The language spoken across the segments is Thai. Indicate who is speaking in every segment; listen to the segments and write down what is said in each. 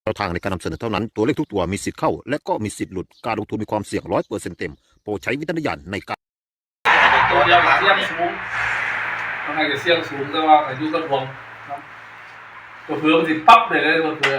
Speaker 1: แนวทางในการนำเสนอเท่านั้นตัวเลขทุกตัวมีสิทธิ์เข้าและก็มีสิทธิ์หลุดการลงทุนมีความเสี่ยง100%เต็มโปรดใช้วิจารณญาณในการ
Speaker 2: ตัวเดียวกับเสี่ยงสูงทำไมจะเสี่ยงสูงแต่ว่าอายุก็ทวงตัวเพื่อมันติดปั๊บเลยตัวเพื่อ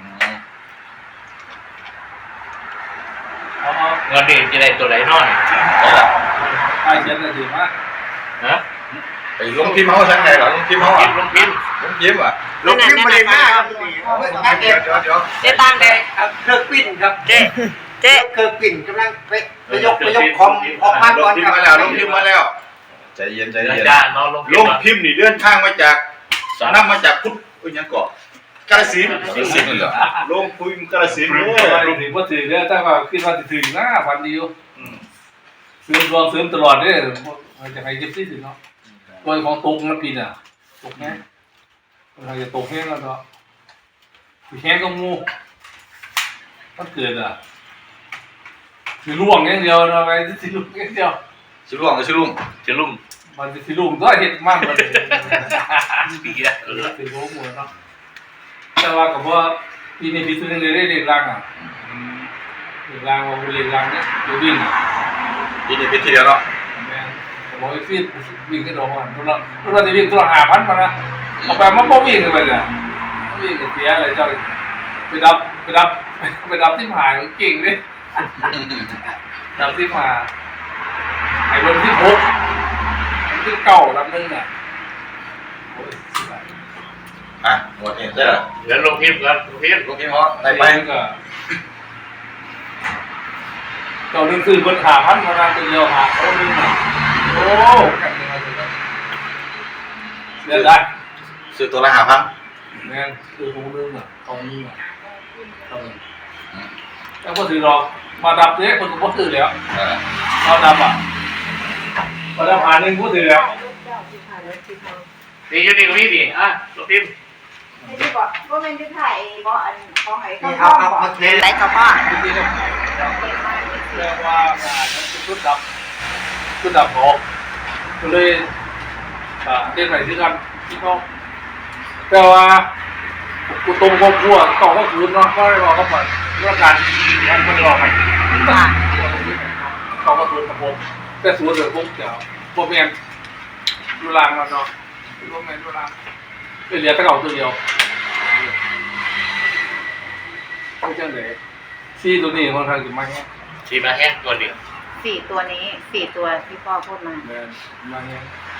Speaker 3: เงินเดือนจะได้ตัวไหนนอน
Speaker 2: ไอ้เช่นอะไรดีมาก
Speaker 3: ฮะ
Speaker 4: ไปลงพิมพ์เขาใช่ไหมเหรอลงพิมพ์เขา
Speaker 3: ลงพิมพ์
Speaker 4: อ่ะ
Speaker 5: ลงพิมพ์มาเลยหน้าครับ
Speaker 4: เดี๋ยว
Speaker 5: เจ๊ตังเด็ก
Speaker 2: เครื่องปิ้นครับ
Speaker 5: เจ๊เครื่องปิ้นกำลังไปยกคอมออกมาก่อนครับ
Speaker 4: ลงพิมพ์มาแล้วใจเย็นลงพิมพ์นี่เลื่อนข้างมาจากนำมาจากพุทธยังเกาะกาฬสินธุ์เหรอลงพิมพ์กาฬสินธุ์
Speaker 2: ลงถึงว่าถือเนี่ยแต่ว่าคิดว่าถือหน้าฟันดีอยู่ซื้อรวมซื้อตลอดเนี่ยจะให้เก็บที่ถึงเนาะตัวของตกมันปีน่ะตกแห้งเราจะตกแห้งแล้วก็แห้งก็งูมันเกิดอ่ะคือล่วงอย่างเดียวนะไปที่ล่วงอย่างเดียว
Speaker 4: ชื่อลุงชื่อลุง
Speaker 2: มันจะที่ล่วงด้วยเห็ดมากเลย
Speaker 3: ปีละ
Speaker 2: เป็นโรคหัวเนาะแต่ว่ากับว่าปีนี้พี่ซื้อเงินได้เรียนรังอ่ะเรียนรังว่าเรียนรังเนี่ยเดี๋ยววิ่ง
Speaker 4: ปีนี้ปีที่แล้วเนาะ
Speaker 2: บอกให้ฟีดวิ่งขึ้นรถมันเราจะวิ่งตัว5,000มานะเอาไปมันบ่วิ่งเลยเนี่ยวิ่งเสียอะไรเจ้าไปดับที่หายเก่งเลยดับที่มาไอ้บนที่6ที่เก่าลำนึงน่ะ
Speaker 4: หมดนี่ได้เหรอ
Speaker 3: เดี๋ยวลงพิมพ์กันลงพิมพ์
Speaker 4: เขาได้ไป
Speaker 2: ก็เก่านึงคือบน5,000มานะตัวเดียวหาเขานึงน่ะโอ้กันยังไงเสียได้
Speaker 4: ซื้อตัวละ5,000
Speaker 2: แม่คือคงนึงอ่ะตรงนี้อ่ะแต่พอถือหรอกมาดับเนี่ยคนก็พอถือแล้วเราดับอ่ะมาดับหาหนึ่งพอถือแล้ว
Speaker 3: ดีอยู่ดีกว่านี้ดิลงพิมพ์
Speaker 6: ไม่ได้บอกว่ามันจะถ่ายบอกอันเขาให้
Speaker 5: เอาเทนไรกับพ่อ
Speaker 2: ที่เรียกว่างานนั้นคือชุดดับออกก็เลยเล่นใหม่ที่กันที่เขาแต่ว่ากูตรงครอบครัวต่อก็คืนเนาะก็ได้รอเขาก่อนเรื่องการมันไม่รอกันต่อก็คืนกับผมแต่สวนเดือดผมเดี๋ยวพวกแมนดูรางมันเนาะพวกแมนดูรางเหลือตะเก่าตัวเดียวไม่ใช่เลยซีตัวนี้ค่อนข้างจะมาแห้ง
Speaker 3: ทีมาแห้งตัวเดียว
Speaker 6: 4 ตัวนี้4 ตัวที่พ่อพูดมา
Speaker 2: มาแห้ง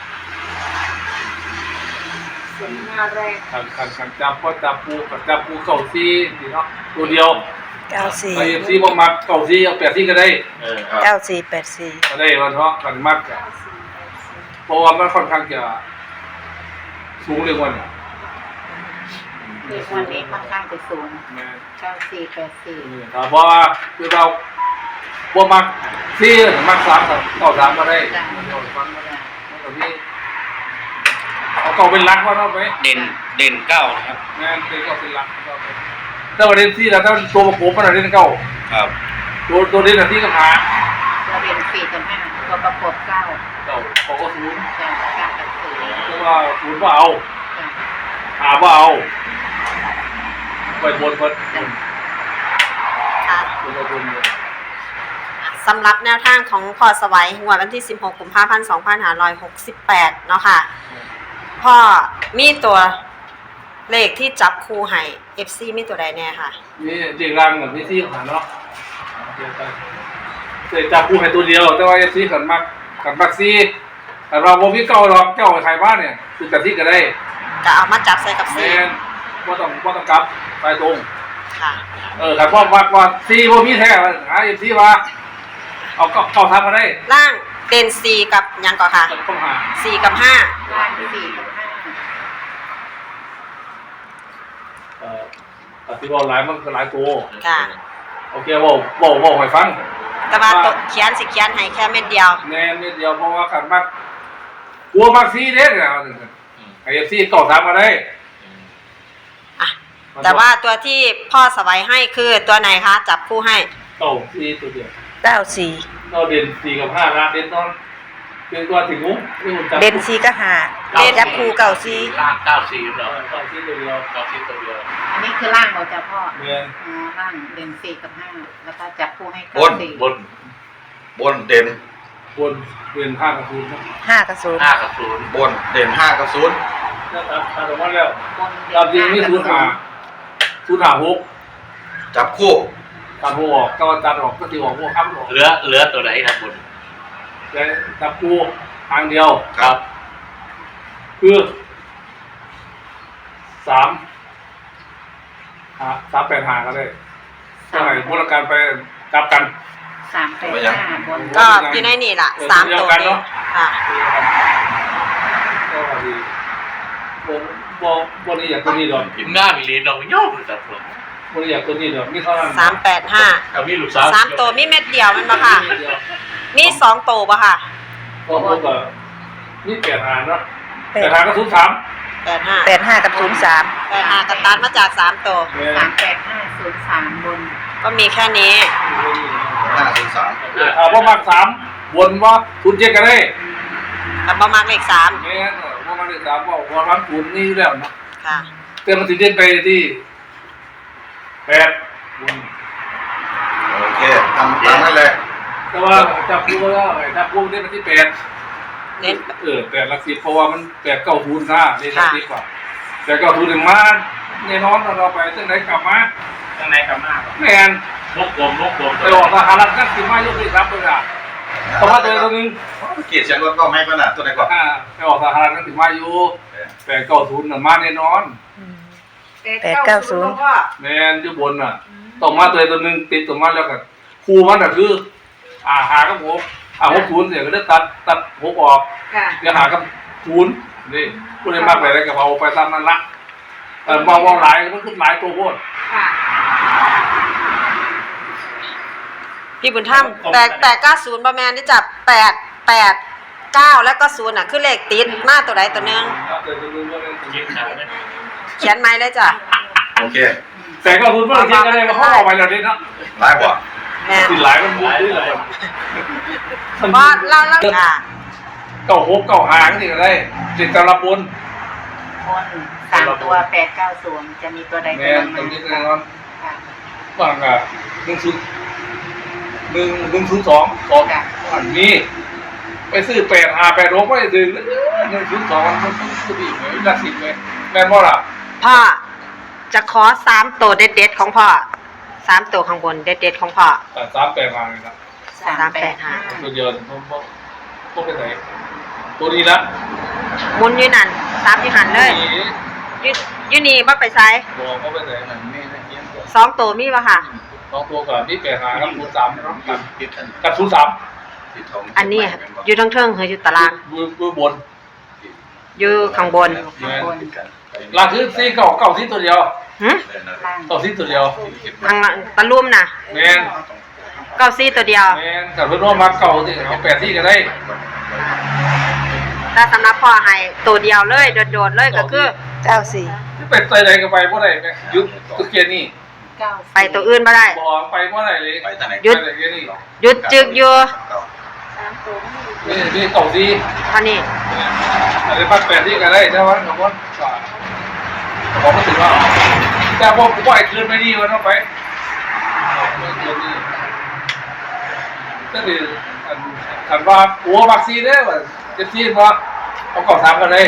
Speaker 6: มาแรก
Speaker 2: ขันจับพ่อจับปูเก่าซีนี่เนาะตัวเดียว
Speaker 5: 94
Speaker 2: ไอ้ซีบ่มักเก่าซีเอา8ซีก็ได้
Speaker 5: 9484
Speaker 2: ก็ได้วันเนาะกันมักเพราะว่ามันค่อนข้างจะสูงเรื่องวันเนี่ย
Speaker 6: เด็กวันนี้ค่อนข้างจะสูง9484
Speaker 2: เพราะว่าคือเราบ่มักซีมัก3กับ93ก็ได้ฟังมาได้มันก็มีเอาเก่าเป็นหลักว่าเนาะไป
Speaker 3: เด่น9นะครับ
Speaker 2: แม่นเด่น9เป็นหลักถ้าว่าเด่น4แล้วถ้าตัวประกบมันเด่น9
Speaker 3: ครับ
Speaker 2: ตัวเด่นที่กับหา
Speaker 6: ตัวเด่น4กับ5ตัวประกบ9
Speaker 2: เขาก็0
Speaker 6: จ้ะ9กับ4
Speaker 2: เพราะว่า0บ่เอา5บ่เอาไปบนค่ะ
Speaker 5: สำหรับแนวทางของพ่อสวัยงวดวันที่16 กุมภาพันธ์ 2568เนาะค่ะพ่อมีตัวเลขที่จับคู่ให้ FC มีตัวใดแน่ค่ะ
Speaker 2: นี่เด็กรังกับพี่ซี่หาเนาะเคยจับคู่ให้ตัวเดียวแต่ว่า FC ขันมักซี่แต่เราบ่มีเก่าหรอกเจ้าไทยบ้านเนี่ยคือกะทิก็ได้
Speaker 5: ก็เอามาจับใส่กับซี่
Speaker 2: บ่ต้องกลับไปตรง
Speaker 5: ค่ะ
Speaker 2: ถ้าพ่อมักว่าซี่บ่มีแท้หา FC ว่าเอาเก่าทำมาได้
Speaker 5: ล่างเด่น4กับยังก่อนค่ะ4กับ5
Speaker 6: ล่าง4กับ5
Speaker 2: ที่บอกหลายมันก็หลายตัว
Speaker 5: ค่ะ
Speaker 2: โอเคบอกให้ฟัง
Speaker 5: แต่ว่าเขียนให้แค่เม็ดเดียว
Speaker 2: แน่เม็ดเดียวเพราะว่าขันมักกลัวมักซีเด้เนี่ยไอ้ซีต่อตามมาได้
Speaker 5: แต่ว่าตัวที่พ่อสวัยให้คือตัวไหนคะจับคู่ให้
Speaker 2: เก้าซีตัวเดียว
Speaker 5: 94
Speaker 2: เราเด่น4กับ5นะเด่นตอนเป็นตัวถึงมุ้งนี่ผมจับ
Speaker 7: เด่น4กับ5จับคู่เก่า4
Speaker 3: ล่าง94เหรอ
Speaker 2: ต่อที่ตัวเดียว
Speaker 3: 94ตัวเดียว
Speaker 6: อันนี้คือล่างเราจะพ่อ
Speaker 2: เมียน
Speaker 6: อ๋อล่างเด่น4กับ5แล้วก็จับคู่ให้
Speaker 4: บน
Speaker 6: 94
Speaker 3: บน
Speaker 4: บนเด่น
Speaker 2: บนเป็นผ้ากระทุนนะ
Speaker 7: 5กับ0
Speaker 3: 5กับ0
Speaker 4: บนเด่น5กับ0
Speaker 2: แล้วตัดออกมาแล้ว
Speaker 6: บน
Speaker 2: ตามจริงนี่ศูนย์หาหก
Speaker 4: จับคู่
Speaker 2: ตัดหัวออกก็ตัดออกก็ตีออกหัวข้ามออก
Speaker 3: เหลือตัวไหนครับบน
Speaker 2: แต่จับกูทางเดียว
Speaker 4: ครับ
Speaker 2: คือ385ก็ได้เท่าไหร่บริการไปกลับกัน
Speaker 6: 385บน
Speaker 5: ก็อยู่ในนี่ล่ะ3ตัวนี้ค่ะ
Speaker 2: ก็ดีบนนี้อยากตัวนี้ดอก
Speaker 3: พิมพ์หน้ามีเหรียญดอกย่อมจับผม
Speaker 2: บนนี้อยากตัวนี้ดอกนี่เท่านั้น
Speaker 5: 385
Speaker 3: เอามีลูกสาว
Speaker 5: 3ตัวมีเม็ดเดียวแมันบ่ค่ะ มี2ตัวบ่ค่ะ
Speaker 2: ก็พวกนี่8 เนาะ
Speaker 7: แปด
Speaker 2: 8 ก็03
Speaker 5: 85
Speaker 7: 85กับ03
Speaker 5: 85ก็ตัดมาจาก3ตัว
Speaker 6: 38503บน
Speaker 5: ก็มีแค่นี้
Speaker 4: 503
Speaker 2: พวกมัก3วนว่าทุนเจ๊กันได้
Speaker 5: แต่บ่มักเลข3
Speaker 2: แม่นพวกมักได้3บอกว่ามันทุนนี่แล้วเนาะ
Speaker 5: ค่ะ
Speaker 2: แต่มันสิเด่นไปที่8วน
Speaker 4: โอเคทำตามนั้นเลย
Speaker 2: แต่ว่าจับกูแล้วจับกูได้มาที่8
Speaker 5: เน้น
Speaker 2: 8หลัก10เพราะว่ามัน8 9ทุนนะนี่หลัก10กว่าแต่9ทุนมาแน่นอนเราไปจังได๋กลับมา
Speaker 3: ข้างในกำมาก
Speaker 2: แม่น
Speaker 3: นกกลม
Speaker 2: ไปออกสหรัฐนั่นสิมายกที่รับเลยอ่ะเพราะว่าตัวนึง
Speaker 4: เกียรติเสียงรถก็ไม่ขนาดตัวไหนก่อน
Speaker 2: ไปออกสหรัฐนั่นสิมาอยู่8 9ทุนน่ะมาแน่นอน
Speaker 7: 890
Speaker 2: แม่นอยู่บนน่ะต้องมาตัวนึงติดตัวมาแล้วกันครูมันน่ะคือหากับผม6ทุนเสียก็ได้ตัด6ออก
Speaker 5: ค่ะ
Speaker 2: เดี๋ยวหากับทุนนี่ผู้ใดมากไปแล้วก็เอาไปตามนั้นละมองหลายมันขึ้นหลายตัวโพด
Speaker 5: ค่ะ พี่บุญธรรม890บ่แม่นนี่จับ889แล้วก็0น่ะคือเลขติดมาตัวใดตัวหนึง
Speaker 3: ยิ้มขาวเนี่ย
Speaker 5: เขียนไม้เลยจ้ะ
Speaker 4: โอเค
Speaker 2: แต่ก็ทุนเมื่อกี้ก็ได้มาเขาออกไปแล้วนี่เนาะ
Speaker 4: ได้กว่า
Speaker 5: แม่
Speaker 2: สิหลายมันมุกด้วยเลย
Speaker 5: บ่เราค่ะ
Speaker 2: 96 95ก็สิก็ได้ติดตำรับบน
Speaker 6: บน3ตัว890จะมีตัวใด
Speaker 2: แม่
Speaker 6: ตัวห
Speaker 2: ตร
Speaker 6: นึ่
Speaker 2: ง
Speaker 6: ง
Speaker 2: นี้แน่นอน
Speaker 6: ค่ะ
Speaker 2: บางอ่ะ102อันนี้ไปซื้อ8586ไม่ได้ถึง102มันคือดีไหมหลัก10เลยแม่นบ่ล่ะ
Speaker 5: พ่อจะขอ3ตัวเด็ดๆของพ่อ3ตัวข้างบนเด็ดๆของพ่อ
Speaker 2: 385นี่นะ
Speaker 5: 385
Speaker 2: ตัวเดียวต้องไปไหนตัวนี้ละ
Speaker 5: หมุนอยู่นั่น3อยู่หันเลยอยู่นี่บ่ไปไส
Speaker 2: บอกเขาไปไหน
Speaker 5: 2ตัวมีบ่ค่ะ
Speaker 2: 2ตัวก่อนนี่85กับ03เนาะกับ03
Speaker 5: อันนี้อยู่ทั้งเทิงหรืออยู่ตาราง
Speaker 2: อยู่บน
Speaker 5: อยู่ข้างบน
Speaker 6: ข้างบน
Speaker 2: ล่างคือ4 9ที่ตัวเดียว
Speaker 5: หึ
Speaker 6: ล่าง
Speaker 2: 9ที่ตัวเดียว
Speaker 5: ทางตะลุ่มน่ะ
Speaker 2: แม่น
Speaker 5: 94ตัวเดียว
Speaker 2: แม่นแต่เพิ่นว่ามัก9ที่เอา8ที่ก็ได้
Speaker 5: แต่สำหรับพ่อให้ตัวเดียวเลยโดดๆเลยก็คือ
Speaker 7: 94
Speaker 2: เป็นใจใดก็ไปบ่ได้แม่ยุดตัวเกียร์นี่
Speaker 6: 9
Speaker 5: ไปตัวอื่นบ่ได้
Speaker 2: บอกไปบ่ได้เลย
Speaker 4: ไปทางไหน
Speaker 5: หยุด
Speaker 2: ไปเกียร์นี่
Speaker 5: หยุดจึกอยู่
Speaker 2: นี่9ที่
Speaker 5: เท่านี้
Speaker 2: อะไรปัด8ที่ก็ได้แต่ว่าบางคนบอกไม่ถึงว่าแต่พอผมไอ้คืนไม่ดีวันต้องไปคืนนี่ก็คือคันว่าหัววัคซีนเนี่ยว่าจะซีนว่าเขาเก่า3ก็ได้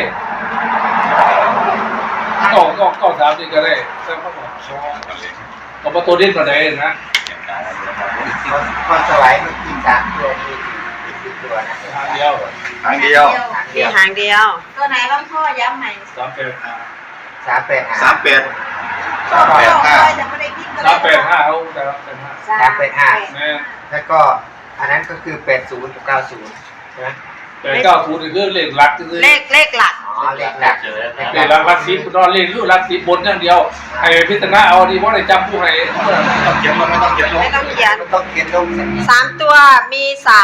Speaker 2: เก่า3นี่ก็ได้แต่เขาบอกเขาประตูดิ้นก็ได้นะ
Speaker 8: พอสไลด์มันกิน3ตัวมี10ตัวนะ
Speaker 2: ทางเดียว
Speaker 4: ทางเดียว
Speaker 5: มีหางเดียว
Speaker 6: ตัวไหนบ้างพ่อย้ำใหม่
Speaker 2: 385
Speaker 8: 385
Speaker 4: 38 385
Speaker 6: ยังไม่ได้พิมพ์
Speaker 2: 385เขาแต่
Speaker 8: 385
Speaker 2: แม่
Speaker 8: แล้วก็อันนั้นก็คือ80กับ90ใช่ไหม
Speaker 2: แต่90นี่คือเลขหลักคือ
Speaker 5: เลขหลัก
Speaker 8: อ๋อเลขหลัก
Speaker 3: เจอแล้ว
Speaker 2: เลขหลัก10นอนเลขอยู่หลัก10บนอย่างเดียวให้พิจารณาเอาดีบ่ได้จำผู้ให้
Speaker 4: ต้องเขียนลงไม่ต้องเขียนลง
Speaker 5: ไม่ต้องเขียน
Speaker 8: มันต้องเขียนลงสักนิด
Speaker 5: 3ตัวมี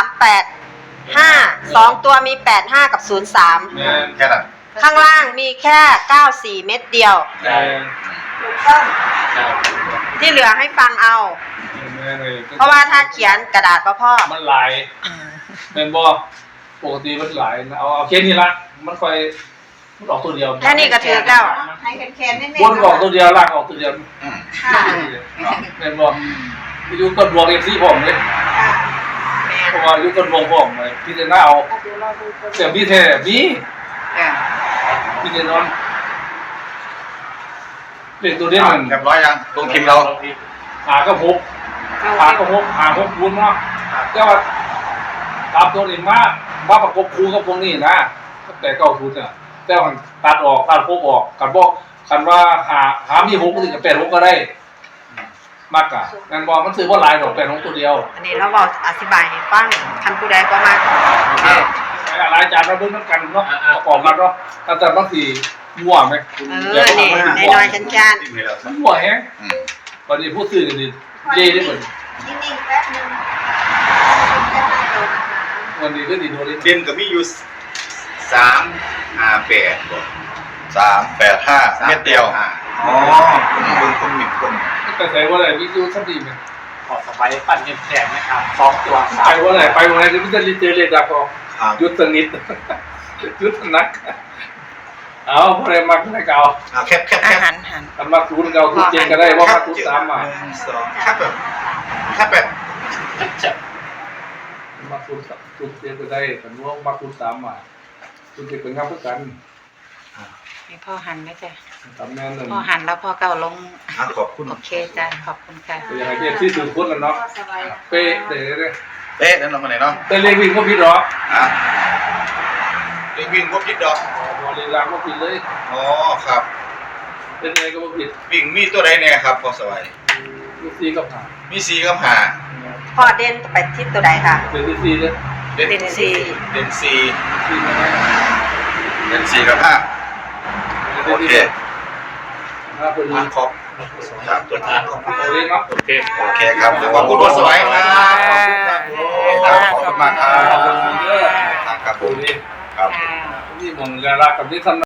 Speaker 5: 385 2ตัวมี85กับ03
Speaker 2: แม่น
Speaker 4: แค่นั้น
Speaker 5: ข้างล่างมีแค่94เม็ดเดียว
Speaker 2: แต่
Speaker 5: ที่เหลือให้ฟังเอา
Speaker 2: แม่นเลย
Speaker 5: เพราะว่าถ้าเขียนกระดาษพ่อ
Speaker 2: มันหลายแม่นบ่ผปกติมันหลายนะเอาแค่นี้ละมันค่อยมันออกตัวเดียว
Speaker 5: แค่นี้ก็ถือแล้ว
Speaker 6: ให้แคนๆนิด
Speaker 2: บนออกตัวเดียวล่างออกตัวเดียว
Speaker 4: อืม
Speaker 6: ค่ะ
Speaker 2: แม่นบอกอยู่กับดวงเอฟซีผมเลย
Speaker 6: ค่ะ
Speaker 2: เพราะว่าอยู่กับดวงผมเลยพี่จะน่าเอา
Speaker 6: เดี๋ยวเราดูตัว
Speaker 2: แต่พี่แท้มี
Speaker 6: ค่ะ
Speaker 2: พี่จะนอนเด็กตัวเด่นมัน
Speaker 4: เรียบร้อยยังลงพิมพ์เรา
Speaker 2: หาก็พบหาก็พบหาพบบุญเนาะแต่ว่าตามตัวนี้มาประกบคู่กับพวกนี้นะแต่เก้าทุนเนี่ยแต่ว่าตัดออกตัดพบออกกันบอกกันว่าหามีหกก็ถึงกับ8 6ก็ได้มากกะงั้นบอกมันซื้อว่าหลายดอก8 6ตัวเดียว
Speaker 5: อันนี้เราบอกอธิบายให้ฟังคันผู้ใดก็มา
Speaker 2: หลายจานเราเบิ่งกันเนาะประกอบกันเนาะแต่บางทีมั่วไหม
Speaker 5: นี่น้อยๆชัน
Speaker 4: พิมพ์ให้เราซะ
Speaker 2: มั่วแฮง
Speaker 4: อืม
Speaker 2: ตอนนี้พูดซื้อกันนี่เย่ได้เหมือน
Speaker 6: นิ่งๆแป๊บนึงแค่ให้เรานะคะ
Speaker 2: วันนี้ก็ดีโดนเลย
Speaker 4: เด่นก็มีอยู่358บ่ 385เม็ดเดียวอ๋อเบิ่งคนหมิ่นคน
Speaker 2: แต่ใส่ว่าอะไรวิจูสักดีไหม
Speaker 3: ขอสบายปั่นเงินแสนนะครับ2 ตัว
Speaker 2: ไปว่าอะไรไปวันไหนจะพิจารณาเจเลยดับพอ
Speaker 4: ครับ
Speaker 2: ยุดสนิทยุดนักเอาพอได้มักได้เก่า
Speaker 4: แคบ
Speaker 7: อาหารหัน
Speaker 2: ทำมาคูณเก่าคูณเจงก็ได้ว่ามาคูณตามมา
Speaker 4: 1 2ครับแบบ
Speaker 3: จะ
Speaker 2: มาคูณเจงก็ได้แต่ว่ามาคูณตามมาคูณเจงเป็นงานเพื่อกัน
Speaker 6: ให้พ่อหันนะจ๊ะ
Speaker 2: ตามแม่นั่น
Speaker 6: พ่อหันแล้วพ่อเก่าลง
Speaker 4: ขอบคุณ
Speaker 6: โอเคจ้ะขอบคุณค่ะ
Speaker 2: อย่างไรเจ๊ที่ถือคุ้นแล้วเนาะเป๊ะเด้เลย
Speaker 4: เอ๊ะนั่นเรามาไหนเนาะ
Speaker 2: แต่เลวินก็ผิดหรอ
Speaker 4: เรื่องวิ่งก็ผิดดอก
Speaker 2: บอลลีลาก็ผิดเลย
Speaker 4: อ๋อครับ
Speaker 2: เป็นอะไรก็ผิด
Speaker 4: วิ่งมีตัวใดเนี่ยครับพอสวัย
Speaker 2: ลูกซีกับหา
Speaker 4: มี4กับ5
Speaker 5: พ่อเด่นไปทิศตัวใดค่ะ
Speaker 2: เป็นที่ซีเนี่ย
Speaker 4: เด่น
Speaker 5: เด่นสี่
Speaker 4: เด่น4
Speaker 2: ซีนะ
Speaker 4: เด่น4กับ5โอเค
Speaker 2: ถ้าเป็น
Speaker 4: ขอบครับตัวทางขอบคุณ
Speaker 2: โอเล่เนาะ
Speaker 3: โอเค
Speaker 4: โอเคครับขอบคุณพอสวัยครับขอบคุณมากครับ
Speaker 2: ขอบคุณเยอะ
Speaker 4: ครับผ
Speaker 2: โอ
Speaker 4: ม
Speaker 2: เล่
Speaker 4: ครับ
Speaker 2: นี่มองการักกับที่ท่าน